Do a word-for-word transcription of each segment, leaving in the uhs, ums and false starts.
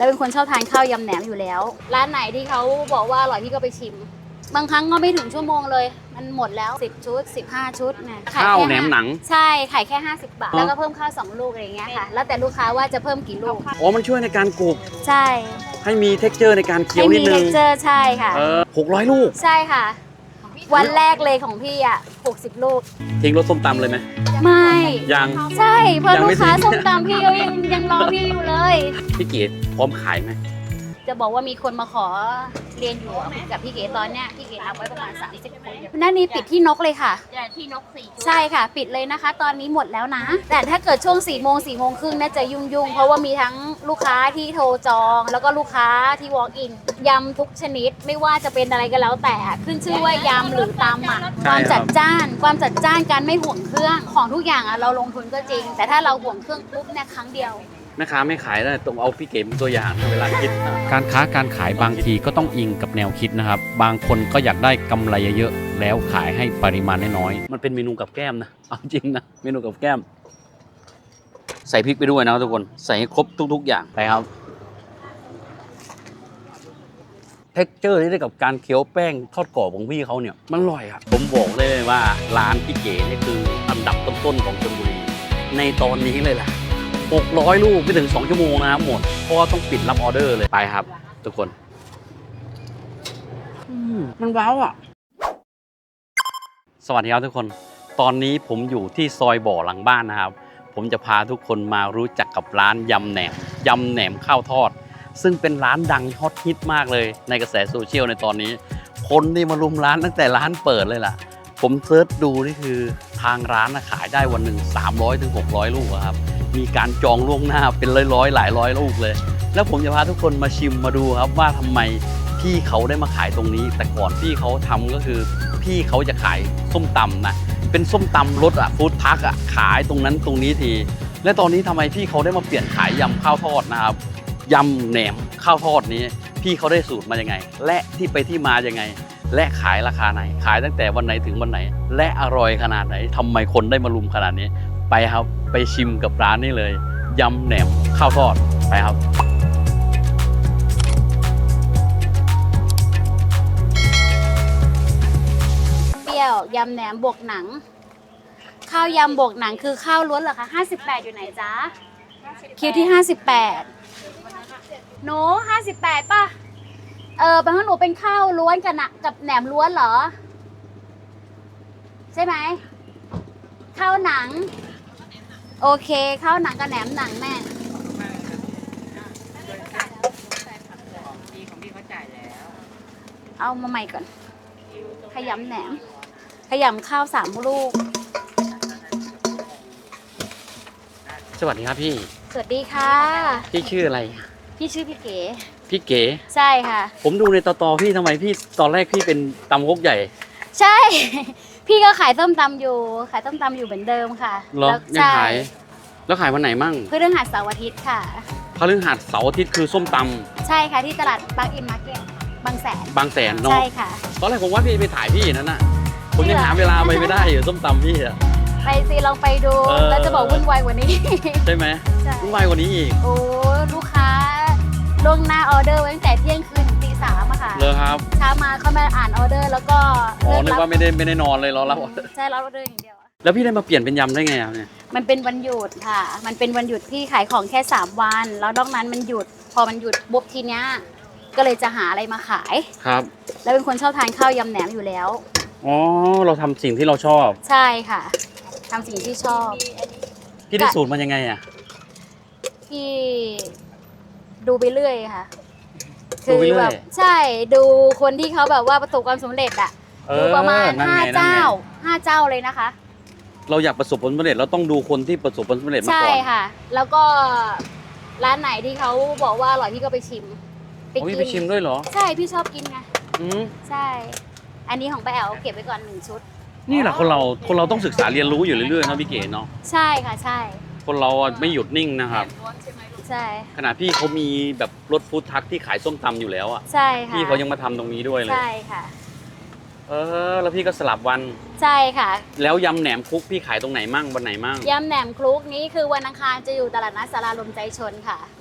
แล้วเป็นคนชอบทานข้าวยำแหนมอยู่แล้วร้านไหนที่เขาบอกว่าอร่อยพี่ก็ไปชิมบางครั้งก็ไม่ถึงชั่วโมงเลยมันหมดแล้วสิบชุดสิบห้าชุดเนี่ยขายข้าวแค่แหนมหนังใช่ขายแค่ห้าสิบบาทแล้วก็เพิ่มข้าวสองลูกอะไรอย่างเงี้ยค่ะแล้วแต่ลูกค้าว่าจะเพิ่มกี่ลูกอ๋อมันช่วยในการกรุบใช่ให้มี เท็กเจอร์ ในการเคี้ยวให้นิมีดนึเท็งกเจอร์ใช่ค่ะเออหกร้อยลูกใช่ค่ะวันแรกเลยของพี่อ่ะหกสิบลูกทิ้งรสส้มตำเลยไหมไม่ยังใช่เพราะยังลูไม่กค้าทิ้งส้มตำพี่เขายังยังรอพี่อยู่เลยพี่เกดพร้อมขายไหมจะบอกว่ามีคนมาขอเรียนอยู่กับพี่เก๋ตอนเนี้ยพี่เก๋นับไว้ประมาณสามสิบคนนั่นนี่ปิดที่นกเลยค่ะที่นกสี่ใช่ค่ะปิดเลยนะคะ ตอนนี้หมดแล้วนะแต่ถ้าเกิดช่วงสี่โมงสี่โมงครึ่งน่าจะยุ่งยุ่งเพราะว่ามีทั้งลูกค้าที่โทรจองแล้วก็ลูกค้าที่ walk in ยำทุกชนิดไม่ว่าจะเป็นอะไรก็แล้วแต่ขึ้นชื่อว่ายำหรือตำอ่ะความจัดจ้านความจัดจ้านการไม่ห่วงเครื่องของทุกอย่างอ่ะเราลงทุนก็จริงแต่ถ้าเราห่วงเครื่องปุ๊บเนี่ยครั้งเดียวแม่ค้าไม่ขายแล้วต้องเอาพี่เก๋เป็นตัวอย่างเวลาคิดการค้าการขายบางทีก็ต้องอิงกับแนวคิดนะครับบางคนก็อยากได้กำไรเยอะๆแล้วขายให้ปริมาณน้อยมันเป็นเมนูกับแก้มนะเอาจริงนะเมนูกับแก้มใส่พริกไปด้วยนะทุกคนใส่ให้ครบทุกๆอย่างไปครับเท็กเจอร์ที่ได้กับการเคี้ยวแป้งทอดกรอบของพี่เขาเนี่ยมันอร่อยอ่ะผมบอกเลยว่าร้านพี่เก๋นี่คืออันดับต้นๆของชลบุรีในตอนนี้เลยล่ะหกร้อยลูกไม่ถึงสองชั่วโมงนะครับหมดเพราะว่าต้องปิดรับออเดอร์เลยไปครับทุกคนมันว้าวอ่ะสวัสดีครับทุกคนตอนนี้ผมอยู่ที่ซอยบ่อหลังบ้านนะครับผมจะพาทุกคนมารู้จักกับร้านยำแหนมยำแหนมข้าวทอดซึ่งเป็นร้านดังฮอตฮิตมากเลยในกระแสโซเชียลในตอนนี้คนนี่มารุมร้านตั้งแต่ร้านเปิดเลยล่ะผมเซิร์ชดูนี่คือทางร้านขายได้วันหนึ่งสามร้อยถึงหกร้อยลูกครับมีการจองล่วงหน้าเป็นร้อยๆหลายร้อยลูกเลยแล้วผมจะพาทุกคนมาชิมมาดูครับว่าทำไมพี่เขาได้มาขายตรงนี้แต่ก่อนพี่เขาทำก็คือพี่เขาจะขายส้มตำนะเป็นส้มตำรสอะฟู้ดทักอะขายตรงนั้นตรงนี้ทีและตอนนี้ทำไมพี่เขาได้มาเปลี่ยนขายยำข้าวทอดนะครับยำแหนมข้าวทอดนี้พี่เขาได้สูตรมายังไงและที่ไปที่มายังไงและขายราคาไหนขายตั้งแต่วันไหนถึงวันไหนและอร่อยขนาดไหนทำไมคนได้มารุมขนาดนี้ไปครับไปชิมกับร้านนี้เลยยำแหนมข้าวทอดไปครับเปรี้ยวยำแหนมบวกหนังข้าวยำบวกหนังคือข้าวล้วนเหรอคะห้าสิบแปดอยู่ไหนจ๊ะคิวที่ห้าสิบแปดหนูห้าสิบแปดป่ะเออเป็นว่าหนูเป็นข้าวล้วนกับกับแหนมล้วนเหรอใช่ไหมข้าวหนังโอเคข้าวหนังกับแหนมหนังแม่เอามาใหม่ก่อนขยำแหนมขยำข้าวสามลูกสวัสดีครับพี่สวัสดีค่ะพี่ชื่ออะไรพี่ชื่อพี่เก๋พี่เก๋ใช่ค่ะผมดูในตอตอพี่ทำไมพี่ตอนแรกพี่เป็นตำฮกใหญ่ใช่พี่ก็ขายส้มตำอยู่ขายส้มตำอยู่เหมือนเดิมค่ะแล้วยังขายแล้วขายวันไหนมั่งพฤหัสเสาร์อาทิตย์ค่ะพฤหัสเสาร์อาทิตย์คือส้มตำใช่ค่ะที่ตลาดบางอินมาร์เก็ตบางแสนบางแสนเนาะใช่ค่ะตอนแรกผมว่าพี่ไปถ่ายพี่นั่นน่ะผมยังหาเวลาไปไม่ได้อยู่ส้มตำพี่อะไปสิลองไปดูแล้วจะบอกวุ่นวายกว่านี้ใช่ไหมวุ่นวายกว่านี้อีกโอ้ลูกค้าล่วงหน้าออเดอร์ไว้ตั้งแต่เที่ยงคืนถึงตีสามอะค่ะเลยครับเช้ามาเขามาอ่านออเดอร์แล้วก็อ๋อนึกว่าไม่ได้ไม่ได้นอนเลยรอรับใช่รับออเดอร์อย่างเดียวแล้วพี่ได้มาเปลี่ยนเป็นยำได้ไงอ่ะเนี่ยมันเป็นวันหยุดค่ะมันเป็นวันหยุดที่ขายของแค่สามวันแล้วนอกนั้นมันหยุดพอมันหยุดปุ๊บทีเนี้ยก็เลยจะหาอะไรมาขายครับแล้วเป็นคนชอบทานข้าวยำแหนมอยู่แล้วอ๋อเราทำสิ่งที่เราชอบใช่ค่ะทำสิ่งที่ชอบพี่ได้สูตรมันยังไงอ่ะพี่ดูไปเรื่อยค่ะคือแบบใช่ดูคนที่เขาแบบว่าประสบความสำเร็จอะดูประมาณห้าเจ้าห้าเจ้าเลยนะคะเราอยากประสบผลสำเร็จเราต้องดูคนที่ประสบผลสำเร็จมาก่อนใช่ค่ะแล้วก็ร้านไหนที่เขาบอกว่าอร่อยพี่ก็ไปชิมไปกินไปชิมด้วยเหรอใช่พี่ชอบกินไงอืมใช่อันนี้ของป้าแอ๋วเก็บไว้ก่อนหนึ่งชุดนี่แหละคนเราคนเราต้องศึกษาเรียนรู้อยู่เรื่อยๆนะพี่เก๋เนาะใช่ค่ะใช่คนเราไม่หยุดนิ่งนะครับใช่ขณะพี่เขามีแบบรถฟู้ดทักที่ขายส้มตำอยู่แล้วอ่ะใช่ค่ะพี่เขายังมาทำตรงนี้ด้วยเลยใช่ค่ะเออแล้วพี่ก็สลับวันใช่ค่ะแล้วยำแหนมคลุกพี่ขายตรงไหนมั่งวันไหนมั่งยำแหนมคลุกนี้คือวันอังคารจะอยู่ตลาดนัดสาราลมใจชนค่ะ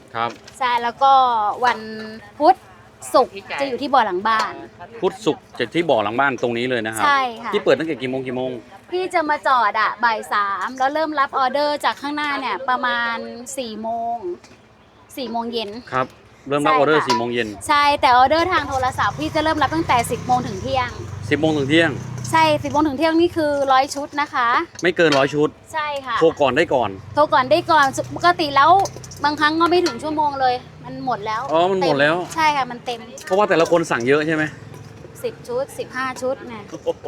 ครับใช่แล้วก็วันพุธศุกร์จะอยู่ที่บ่อหลังบ้านพุธศุกร์จะที่บ่อหลังบ้านตรงนี้เลยนะครับใช่ค่ะที่เปิดตั้งแต่กี่โมงกี่โมงพี่จะมาจอดอะบ่ายสามแล้วเริ่มรับออเดอร์จากข้างหน้าเนี่ยประมาณสี่โมงสี่โมงเย็นครับ เริ่มรับใช่ออเดอร์ค่ะสี่โมงเย็นใช่แต่ออเดอร์ทางโทรศัพท์พี่จะเริ่มรับตั้งแต่สิบโมงถึงเที่ยงสิบโมงถึงเที่ยงใช่สิบโมงถึงเที่ยงนี่คือร้อยชุดนะคะไม่เกินร้อยชุดใช่ค่ะโทรก่อนได้ก่อนโทรก่อนได้ก่อนปกติแล้วบางครั้งก็ไม่ถึงชั่วโมงเลย มันหมดแล้วอ๋อมันหมดแล้วเต็ใช่ค่ะมันเต็มเพราะว่าแต่ละคนสั่งเยอะใช่ไหมสิบชุดสิบห้าชุดเนี่ย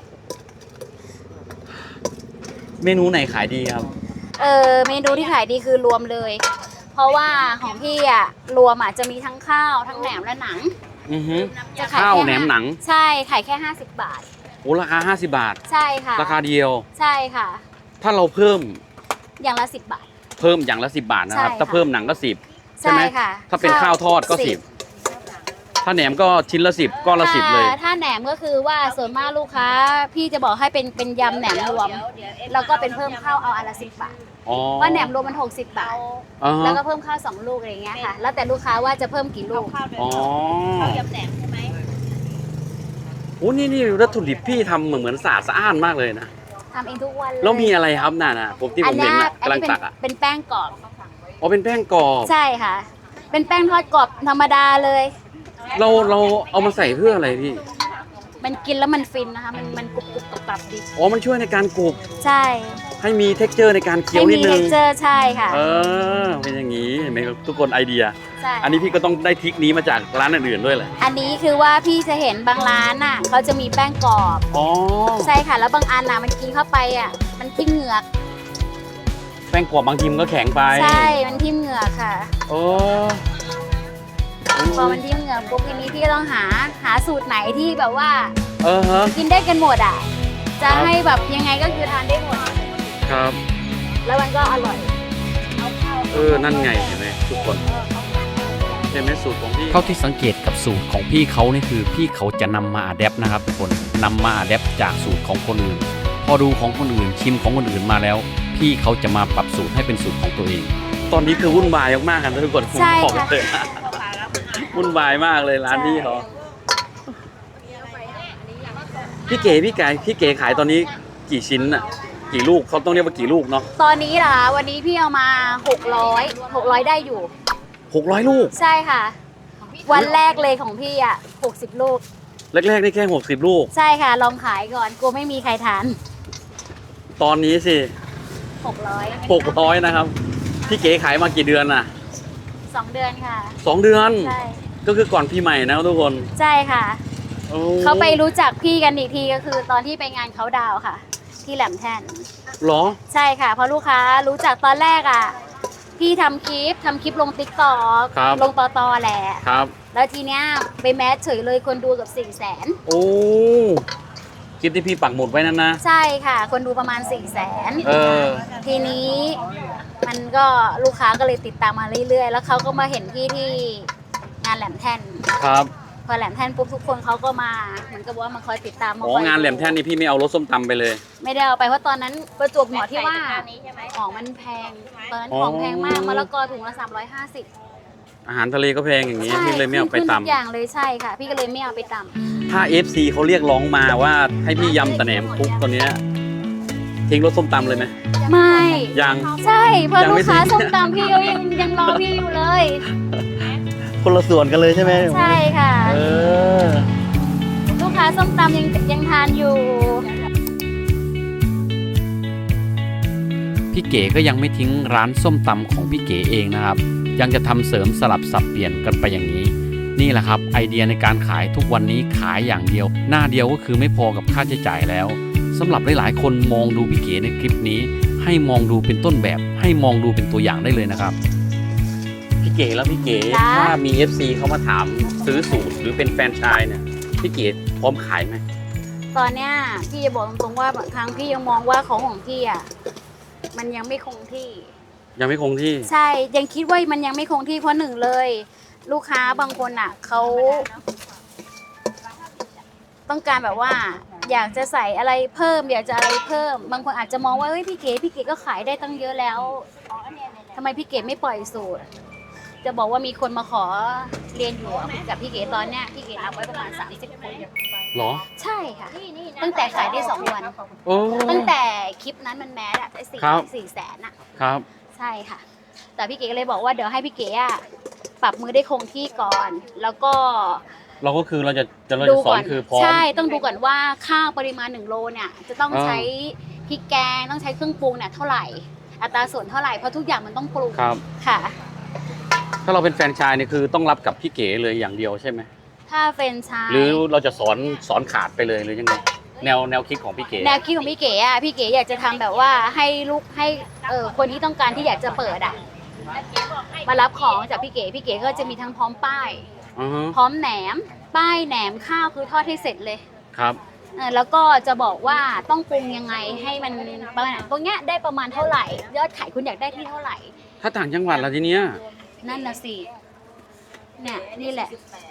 เมนูไหนขายดีครับเออเมนูที่ขายดีคือรวมเลย เพราะว่าของพี่อะรวมอะจะมีทั้งข้าวทั้งแหนมและหนังอือฮึจะขายข้าวแค่แหนมหนังใช่ขายแค่ห้าสิบบาทโอ้ราคาห้าสิบบาทใช่ค่ะราคาเดียวใช่ค่ะถ้าเราเพิ่มอย่างละสิบบาทเพิ่มอย่างละสิบบาทนะครับใช่ค่ะถ้าเพิ่มหนังก็สิบใช่ไหมใช่ค่ะถ้าเป็นข้าวทอดก็สิสิบบถ้าแหนมก็ชิ้นละสิบก้อนละสิบเลยถ้าถ้าแหนมก็คือว่าส่วนมากลูกค้า พี่จะบอกให้เป็นเป็นยำแหนมรวม แล้วก็เป็นเพิ่มข้าวเอาอันละสิบบาทอ๋อว่าแหนมรวมมันหกสิบบาทอ่าฮะแล้วก็เพิ่มข้าวสองลูกอะไรอย่างเงี้ยค่ะ แล้วแต่ลูกค้าว่าจะเพิ่มกี่ลูกอ๋อข้าวยำแหนมใช่ไหมโอ้นี่นี่วัตถุดิบพี่ทำเหมือนเหมือนสะอาดสะอ้านมากเลยนะทำเองทุกวันเลยแล้วมีอะไรครับน่ะนะผมที่ผมเห็นน่ะอันกำลังนี้เป็นตักอ่ะเป็นแป้งกรอบอ๋อเป็นแป้งกรอบใช่ค่ะ เป็นแป้งทอดกรอบธรรมดาเลยเราเราเอามาใส่เพื่ออะไรพี่มันกินแล้วมันฟินนะคะ มันมันกรุบกรุบกรอบกรอบดีอ๋อมันช่วยในการกรุบใช่ให้มี เท็กเจอร์ ในการเคี้ยวให้นิดมีนึเท็งกเจอร์ใช่ค่ะเออเป็นอย่างนี้เห็นไหมครับทุกคนไอเดียใช่อันนี้พี่ก็ต้องได้ทริคนี้มาจากร้านอื่นๆด้วยแหละอันนี้คือว่าพี่จะเห็นบางร้านน่ะเขาจะมีแป้งกรอบอ๋อใช่ค่ะ แล้วบางอันน่ะมันกินเข้าไปอ่ะ มันทิ่มเหงือกแป้งกรอบบางทีมันก็แข็งไปใช่ มันทิ่มเหงือกค่ะโอ้พอมันทิ่มเหงือกปุ๊บทีนี้พี่ก็ต้องหาหาสูตรไหนที่แบบว่าเออฮะกินได้กันหมดอ่ะ จะครับให้แบบยังไงก็คือทานได้หมดครับแล้วมันก็อร่อยเออนั่นไงเห็นไหมทุกคนเห็นไหมสูตรของพี่เท่าที่สังเกตกับสูตรของพี่เขานี่คือพี่เขาจะนำมาอัดแอปนะครับทุกคนนำมาอัดแอปจากสูตรของคนอื่น พอดูของคนอื่นชิมของคนอื่นมาแล้ว พี่เขาจะมาปรับสูตรให้เป็นสูตรของตัวเองตอนนี้คือวุ่นวายมากๆกันนะทุกคนผมใช่บอกค่ะเลยนะวุ่นวายมากเลยร้านพี่เขาพี่เก๋พี่ไก่พี่เก๋ขายตอนนี้กี่ชิ้นอ่ะกี่ลูกเขาต้องเรียกว่ากี่ลูกเนาะตอนนี้เหรอคะวันนี้พี่เอามาหกร้อย หกร้อยได้อยู่หกร้อยลูกใช่ค่ะ วันแรกเลยของพี่อ่ะหกสิบลูกแรกๆได้แค่หกสิบลูกใช่ค่ะ ลองขายก่อนกลัวไม่มีใครทานตอนนี้สิหกร้อยหกร้อยนะครับพี่เก๋ขายมากี่เดือนน่ะสองเดือนค่ะสองเดือนใช่ก็คือก่อนพี่ใหม่นะครับทุกคนใช่ค่ะโอ้เขาไปรู้จักพี่กันอีกทีก็คือตอนที่ไปงานเขาดาวน์ค่ะ ที่แหลมแท่นเหรอใช่ค่ะ เพราะลูกค้ารู้จักตอนแรกอ่ะ พี่ทำคลิปทำคลิปลงติ๊กต็อกครับลงต่อตอแหละครับแล้วทีเนี้ยไปแมสเฉยเลยคนดูเกับสี่แสนโอ้คลิปที่พี่ปักหมุดไว้นั่นนะใช่ค่ะ คนดูประมาณสี่แสนเออทีนี้มันก็ลูกค้าก็เลยติดตามมาเรื่อยๆ แล้วเขาก็มาเห็นพี่ที่งานแหลมแท่นครับพอแหลมแท่นปุ๊บทุกคนเขาก็มาเหมือนกับว่ามาคอยติดตามมาอ๋อคอยงานแหลมแท่นนี่พี่ไม่เอารถส้มตำไปเลยไม่ได้เอาไปเพราะตอนนั้นประจวบเหมาะที่ว่าอันนี้ใช่ไหมของมันแพงตอนนั้นอ๋อของแพงมากมะละกอถุงละสามร้อยห้าสิบอาหารทะเลก็แพงอย่างนี้พี่เลยไม่เอาไปขึ้นตทุกอย่างเลยใช่ค่ะ พี่ก็เลยไม่เอาไปตำำถ้า เอฟ ซี เขาเรียกร้องมาว่าให้พี่ยำตะแหนมคุกตอนเนี้ยทิ้งรถส้มตำเลยไหมไม่ยังใช่เพราะยังลูไม่กค้าถึงส้มตำพี่เขายังยังรอพี่อยู่เลยคนละส่วนกันเลยใช่ไหมใช่ค่ะเออลูกค้าส้มตำยังยังทานอยู่พี่เก๋ก็ยังไม่ทิ้งร้านส้มตำของพี่เก๋เองนะครับ ยังจะทำเสริมสลับสับเปลี่ยนกันไปอย่างนี้ นี่แหละครับไอเดียในการขายทุกวันนี้ขายอย่างเดียว หน้าเดียวก็คือไม่พอกับค่าใช้จ่ายแล้วสำหรับหลายๆคนมองดูพี่เก๋ในคลิปนี้ ให้มองดูเป็นต้นแบบ ให้มองดูเป็นตัวอย่างได้เลยนะครับพี่เก๋แล้วพี่เก๋จ้าถ้ามี เอฟ ซี เขามาถามซื้อสูตรหรือเป็นแฟรนไชส์เนี่ยพี่เก๋พร้อมขายไหมตอนเนี้ยพี่จะบอกตรงๆว่าบางครั้งพี่ยังมองว่าของของพี่อ่ะมันยังไม่คงที่ยังไม่คงที่ใช่ยังคิดว่ามันยังไม่คงที่เพราะหนึ่งเลย ลูกค้าบางคนอ่ะเขาต้องการแบบว่า อยากจะใส่อะไรเพิ่ม อยากจะอะไรเพิ่ม บางคนอาจจะมองว่าเฮ้ยพี่เก๋พี่เก๋ก็ขายได้ตั้งเยอะแล้วทำไมพี่เก๋ไม่ปล่อยสูตรจะบอกว่ามีคนมาขอเรียนอยู่กับพี่เก๋ตอนเนี้ยพี่เก๋รับไว้ประมาณสามสิบคนเหรอใช่ค่ะตั้งแต่ขายได้สองวันโอ้ตั้งแต่คลิปนั้นมันแมสอะได้สี่ครับสี่แสนอะครับใช่ค่ะ แต่พี่เก๋ก็เลยบอกว่าเดี๋ยวให้พี่เก๋อะปรับมือได้คงที่ก่อน แล้วก็เราก็คือเราจะจะเราดูจะสอก่อน นคือพร้อมใช่ต้องดูก่อนว่าข้าวปริมาณหนึ่งโลเนี่ยจะต้องอ่าใช้พริกแกงต้องใช้เครื่องปรุงเนี่ยเท่าไหร่อัตราส่วนเท่าไหร่เพราะทุกอย่างมันต้องปรุงครับค่ะถ้าเราเป็นแฟรนไชส์นี่คือต้องรับกับพี่เก๋เลยอย่างเดียวใช่ไหมถ้าเป็นชายหรือเราจะสอนสอนขาดไปเลยหรือยังไงแนวแนวคิดของพี่เก๋แนวคิดของพี่เก๋อะพี่เก๋อยากจะทำแบบว่าให้ลูกให้เออคนที่ต้องการที่อยากจะเปิดอะมารับของจากพี่เก๋พี่เก๋ก็จะมีทั้งพร้อมป้ายอือฮึพร้อมแหนม ป้ายแหนมข้าวคือทอดให้เสร็จเลยครับเออแล้วก็จะบอกว่าต้องปรุงยังไงให้มันประมาณตรงเนี้ยได้ประมาณเท่าไหร่ ยอดขายคุณอยากได้ที่เท่าไหร่ถ้าต่างจังหวัดละทีเนี้ยนั่นน่ะสิเนี่ยนี่แหละ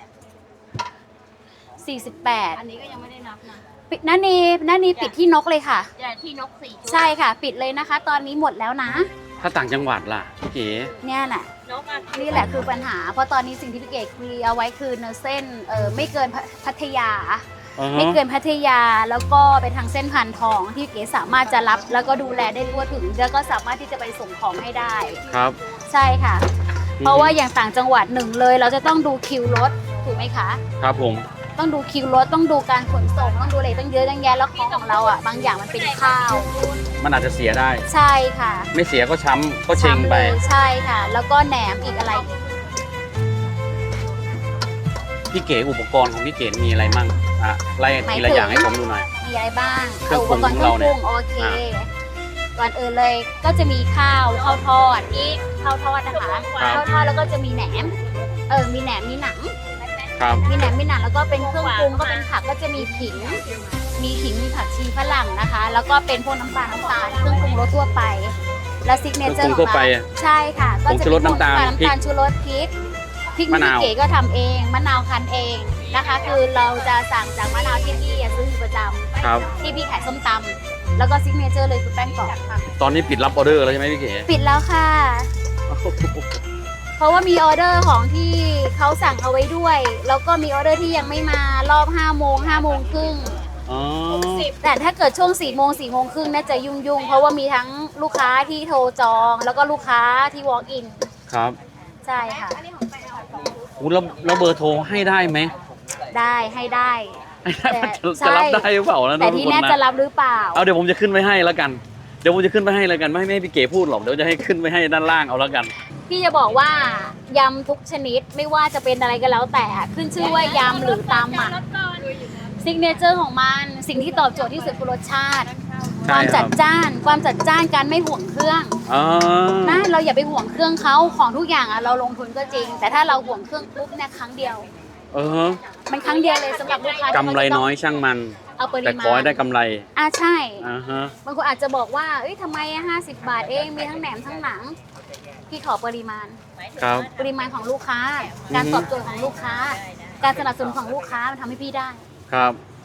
สี่สิบแปดอันนี้ก็ยังไม่ได้นับนะปิดนันนีนันนีปิดที่นกเลยค่ะแต่ที่นกสี่ชุดใช่ค่ะ ปิดเลยนะคะ ตอนนี้หมดแล้วนะถ้าต่างจังหวัดล่ะพี่เก๋เนี่ยน่ะนกอ่ะนี่แหละคือปัญหา เพราะตอนนี้สิ่งที่พี่เก๋คุยเอาไว้คือเนื้อเส้นเออไม่เกินพัทยาอือฮึไม่เกินพัทยาแล้วก็ไปทางเส้นพันทองที่เก๋สามารถจะรับแล้วก็ดูแลได้ทั่วถึงแล้วก็สามารถที่จะไปส่งของให้ได้ครับใช่ค่ะ เพราะว่าอย่างต่างจังหวัดหนึ่งเลย เราจะต้องดูคิวรถถูกไหมคะครับผมต้องดูคิวรถต้องดูการขนส่งต้องดูอะไรตั้งเยอะตั้งแยะแล้วของของเราอ่ะบางอย่างมันเป็นข้าวมันอาจจะเสียได้ใช่ค่ะไม่เสียก็ช้ำก็เชงทำไปเลยใช่ค่ะ แล้วก็แหนมอีกอะไรอีกพี่เก๋อุปกรณ์ของพี่เก๋มีอะไรมั่งอ่ะไล่ทีละอย่างให้ผมดูหน่อยมีอะไรบ้างเครื่องปรุงปกรณ์เครื่องปรุงโอเคอ่าก่อนอื่นเลยก็จะมีข้าวข้าวทอดนี่ข้าวทอดนะคะข้าวทอดแล้วก็จะมีแหนมเออมีแหนมมีหนังครับมีแหนมมีหนังแล้วก็เป็นเครื่องปรุงก็เป็นผักก็จะมีขิง มีขิงมีผักชีฝรั่งนะคะ แล้วก็เป็นพวกน้ำปลาน้ำตาลเครื่องปรุงรสทั่วไป และซิกเนเจอร์เครื่องขปรุอง งทั่วไปเราใช่ค่ะ ก็ผงจะชูรสน้ำตาลน้ำตาลชูรสพริกพริกมะนาวพี่เก๋ก็ทำเองมะนาวคั้นเองนะคะ คือเราจะสั่งจากมะนาวที่พี่ซื้ออยู่ประจำครับที่พี่ขายส้มตำแล้วก็ซิกเนเจอร์เลยคือแป้งกรอบตอนนี้ปิดรับออเดอร์แล้วใช่ไหมพี่เก๋ปิดแล้วค่ะ เพราะว่ามีออเดอร์ของที่เขาสั่งเอาไว้ด้วย แล้วก็มีออเดอร์ที่ยังไม่มารอบห้าโมงห้าโมงครึ่งอ๋อแต่ถ้าเกิดช่วงสี่โมงสี่โมงครึ่งน่าจะยุ่งยุ่งๆเพราะว่ามีทั้งลูกค้าที่โทรจอง แล้วก็ลูกค้าที่ walk in ครับใช่ค่ะอู้แล้วแล้วเบอร์โทรให้ได้ไหมได้ให้ได้ให้ได้แต่จะใช่จะรับได้หรือเปล่านะแต่ทุกที่คนแน่นะจะรับหรือเปล่าเอาเดี๋ยวผมจะขึ้นไว้ให้แล้วกัน เดี๋ยวผมจะขึ้นไปให้แล้วกันไม่ให้ไม่ให้พี่เก๋พูดหรอกเดี๋ยวจะให้ขึ้นไว้ให้ด้านล่างเอาแล้วกันพี่จะบอกว่ายำทุกชนิดไม่ว่าจะเป็นอะไรก็แล้วแต่ขึ้นชื่อว่ายำหรือตำอ่ะซิกเนเจอร์ของมันสิ่งที่ตอบโจทย์ที่สุดคือรสชาติใช่ความครัจับดจ้าน ความจัดจ้านการไม่ห่วงเครื่องอ๋อนะเราอย่าไปห่วงเครื่องเขาของทุกอย่างอ่ะเราลงทุนก็จริง แต่ถ้าเราห่วงเครื่องปุ๊บเนี่ยครั้งเดียวเออมันครั้งเดียวเลยสำหรับลูกค้ากำไรน้อยช่างมันเอาปริแต่มาขอให้ณได้กำไรอ่ะใช่อ่าฮะบางคนอาจจะบอกว่าเอ้ยทำไมห้าสิบบาทเองมีทั้งแหนมทั้งหนังพี่ขอปริมาณครับปริมาณของลูกค้า การตอบโจทย์ของลูกค้า การสนับสนุนของลูกค้ามันทำให้พี่ได้ครับ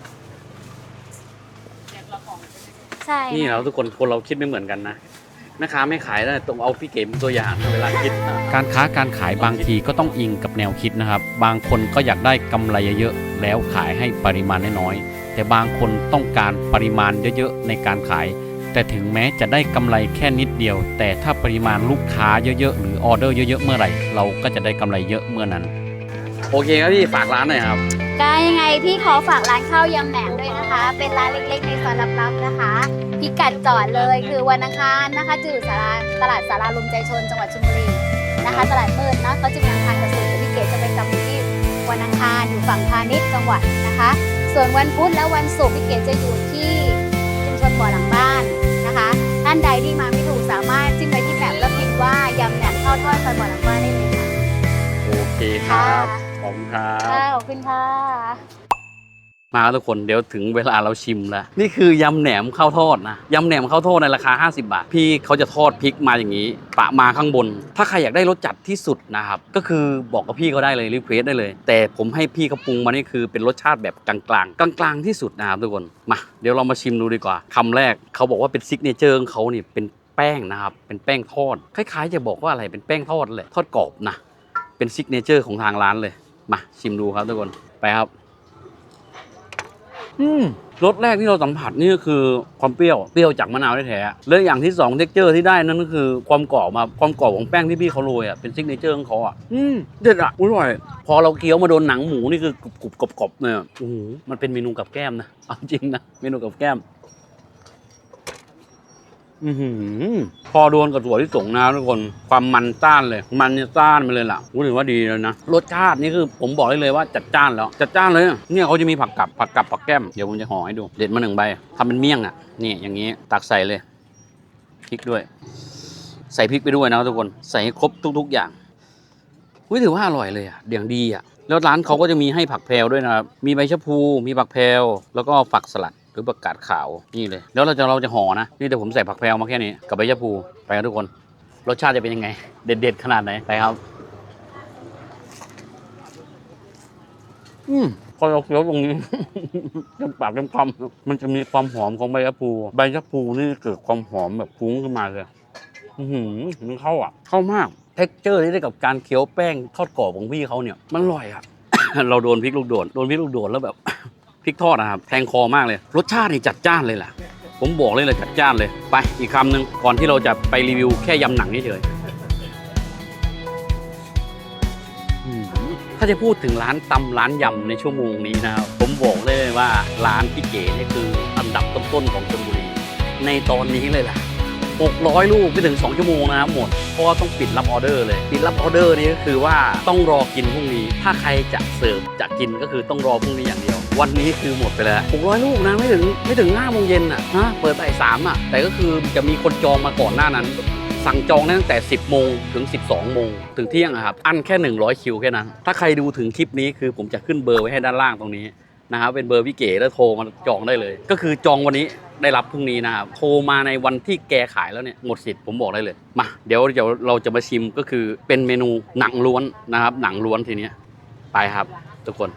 ใช่นี่เราทุกคนคนเราคิดไม่เหมือนกันนะแม่ค้าไม่ขายได้ตรงเอาพี่เก๋เป็นตัวอย่างเวลาคิดนะการค้าการขายบางทีก็ต้องอิงกับแนวคิดนะครับ บางคนก็อยากได้กำไรเยอะๆแล้วขายให้ปริมาณน้อยๆแต่บางคนต้องการปริมาณเยอะๆในการขาย แต่ถึงแม้จะได้กำไรแค่นิดเดียว แต่ถ้าปริมาณลูกค้าเยอะๆหรือออเดอร์เยอะๆเมื่อไหร่เราก็จะได้กำไรเยอะเมื่อนั้นโอเคครับพี่ฝากร้านหน่อยครับก็ยังไงพี่ขอฝากร้านข้าวยำแหนมด้วยนะคะ เป็นร้านเล็กๆในซอยลับๆนะคะพิกัดจอดเลยคือวันอังคารนะคะจะอยู่สาราตลาดสาราลมใจชนจังหวัดชลบุรีนะคะ ตลาดมืดนะเขาจะมีอังคารกับศุกร์พี่เก๋จะไปจำอยู่ที่วันอังคารอยู่ฝั่งพาณิชย์จังหวัดนะคะ ส่วนวันพุธและวันศุกร์พี่เก๋จะอยู่ที่ชุมชนบ่อหลังบ้านนะคะท่านใดที่มาไม่ถูกสามารถจิ้มไปที่แมปแล้วพิมพ์ว่ายำแหนมข้าวทอดซอยบ่อหลังบ้านได้เลยค่ะโอเคครับค่ะขอบคุณครับค่ะขอบคุณค่ะมาทุกคนเดี๋ยวถึงเวลาเราชิมแล้วนี่คือยำแหนมข้าวทอดนะยำแหนมข้าวทอดในราคาห้าสิบบาทพี่เขาจะทอดพริกมาอย่างนี้ปะมาข้างบน ถ้าใครอยากได้รสจัดที่สุดนะครับก็คือบอกกับพี่เขาได้เลยรีเควสได้เลย แต่ผมให้พี่เขาปรุงมานี่คือเป็นรสชาติแบบกลางๆกลางๆที่สุดนะครับทุกคนมาเดี๋ยวเรามาชิมดูดีกว่าคำแรกเขาบอกว่าเป็นซิกเนเจอร์ของเขานี่เป็นแป้งนะครับเป็นแป้งทอดคล้ายๆจะบอกว่าอะไรเป็นแป้งทอดเลยทอดกรอบนะเป็นซิกเนเจอร์ของทางร้านเลยมาชิมดูครับทุกคนไปครับอืมรสแรกที่เราสัมผัสนี่ก็คือความเปรี้ยวเปรี้ยวจากมะนาวแท้ๆและอย่างที่สองเท็กเจอร์ที่ได้นั่นก็คือความกรอบมาความกรอบของแป้งที่พี่เขาโรยอ่ะเป็นซิกเนเจอร์ของเขาอ่ะอืมเด็ดอ่ะอร่อยพอเราเคี้ยวมาโดนหนังหมูนี่คือกรุบกรอบกรอบๆเนี่ยโอ้โหมันเป็นเมนูกับแก้มนะเอาจริงนะเมนูกับแก้มอือหือพอโดนกับถั่วที่สงนะทุกคนความมันต้านเลยมันเนี่ยต้านไปเลยล่ะรู้สึกว่าดีเลยนะรสชาตินี่คือผมบอกได้เลยว่าจัดจ้านแล้วจัดจ้านเลยเนี่ยเขาจะมีผักกับผักกับผักแก้มเดี๋ยวผมจะห่อให้ดูเด็ดมาหนึ่งใบทำเป็นเมี่ยงอ่ะนี่อย่างนี้ตักใส่เลยพริกด้วยใส่พริกไปด้วยนะทุกคนใส่ให้ครบทุกๆอย่างอุ้ยถือว่าอร่อยเลยอ่ะเดี๋ยวดีอ่ะแล้วร้านเขาก็จะมีให้ผักแพรวด้วยนะครับมีใบชะพูมีผักแพรวแล้วก็ฝักสลัดหรือผักกาดขาวนี่เลยแล้วเราจะเราจะห่อนะนี่แต่ผมใส่ผักแพรวมาแค่นี้กับใบชะพูไปกันทุกคนรสชาติจะเป็นยังไงเด็ดๆขนาดไหนไปครับอืมพอเราเคี้ยวตรงนี้ เต็มปากเต็มคำมันจะมีความหอมของใบชะพูใบชะพูนี่เกิดความหอมแบบฟุ้งขึ้นมาเลยอือหือมันเข้าอ่ะเข้ามากเท็กเจอร์ที่ได้กับการเคี้ยวแป้งทอดกรอบของพี่เขาเนี่ยมันอร่อยอ่ะ เราโดนพริกลูกโดดโดนพริกลูกโดดแล้วแบบ พริกทอดนะครับแทงคอมากเลยรสชาตินี่จัดจ้านเลยแหละผมบอกเลยเลยจัดจ้านเลยไปอีกคำหนึ่งก่อนที่เราจะไปรีวิวแค่ยำหนังเฉยถ้าจะพูดถึงร้านตำร้านยำในชั่วโมงนี้นะครับผมบอกเลยว่าร้านพี่เก๋นี่คืออันดับต้นๆของชลบุรีในตอนนี้เลยล่ะหกร้อยลูกไม่ถึงสองชั่วโมงนะครับหมดเพราะว่าต้องปิดรับออเดอร์เลยปิดรับออเดอร์นี่ก็คือว่าต้องรอกินพรุ่งนี้ถ้าใครจะเสิร์ฟจะกินก็คือต้องรอพรุ่งนี้อย่างเดียววันนี้คือหมดไปแล้วหกร้อยลูกนะไม่ถึงไม่ถึงห้าโมงเย็นอ่ะฮะเปิดบ่ายสามอ่ะแต่ก็คือจะมีคนจองมาก่อนหน้านั้นสั่งจองตั้งแต่สิบโมงถึงสิบสองโมงถึงเที่ยงอะครับอันแค่หนึ่งร้อยคิวแค่นั้นถ้าใครดูถึงคลิปนี้คือผมจะขึ้นเบอร์ไว้ให้ด้านล่างตรงนี้นะครับเป็นเบอร์พี่เก๋แล้วโทรมาจองได้เลยก็คือจองวันนี้ได้รับพรุ่งนี้นะครับโทรมาในวันที่แกขายแล้วเนี่ยหมดสิทธิ์ผมบอกได้เลยมาเดี๋ยวเดี๋ยวเราจะมาชิมก็คือเป็นเมนูหนังล้วนนะครับหนังล้วนทีเนี้ยไปครับทุกคน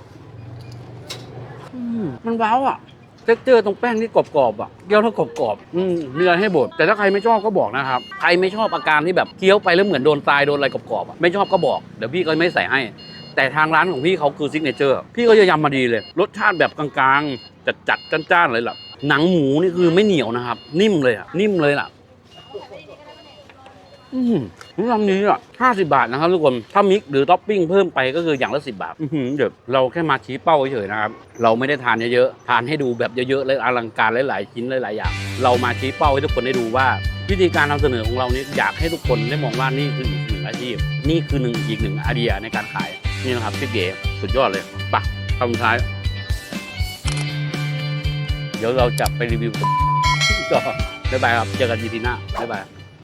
มันว้าวอ่ะเท็กเจอร์ตรงแป้งที่กรอบๆอ่ะเคี้ยวแล้วกรอบๆอืมมีอะไรให้บดแต่ถ้าใครไม่ชอบก็บอกนะครับใครไม่ชอบอาการที่แบบเคี้ยวไปแล้วเหมือนโดนทรายโดนอะไรกรอบๆอ่ะไม่ชอบก็บอกเดี๋ยวพี่ก็ไม่ใส่ให้แต่ทางร้านของพี่เขาคือซิกเนเจอร์พี่ก็จะยำมาดีเลยรสชาติแบบกลางๆจัดๆจ้านๆเลยล่ะหนังหมูนี่คือไม่เหนียวนะครับนิ่มเลยอ่ะนิ่มเลยล่ะอืมลำนี้อ่ะห้าสิบบาทนะครับทุกคนถ้ามิกหรือท็อปปิ้งเพิ่มไปก็คืออย่างละสิบบาทเดี๋ยวเราแค่มาชี้เป้าเฉยๆนะครับเราไม่ได้ทานเยอะๆทานให้ดูแบบเยอะๆและอลังการหลายๆชิ้นหลายๆอย่างเรามาชี้เป้าให้ทุกคนได้ดูว่าวิธีการนำเสนอของเรานี้อยากให้ทุกคนได้มองว่านี่คืออีกหนึ่งอาชีพนี่คือหนึ่งอีกหนึ่งไอเดียในการขายนี่นะครับพี่เก๋สุดยอดเลยไปคำสุดท้ายเดี๋ยวเราจะไปรีวิวก็บ๊ายบายครับเจอกัน อี พี หน้าบ๊ายบาย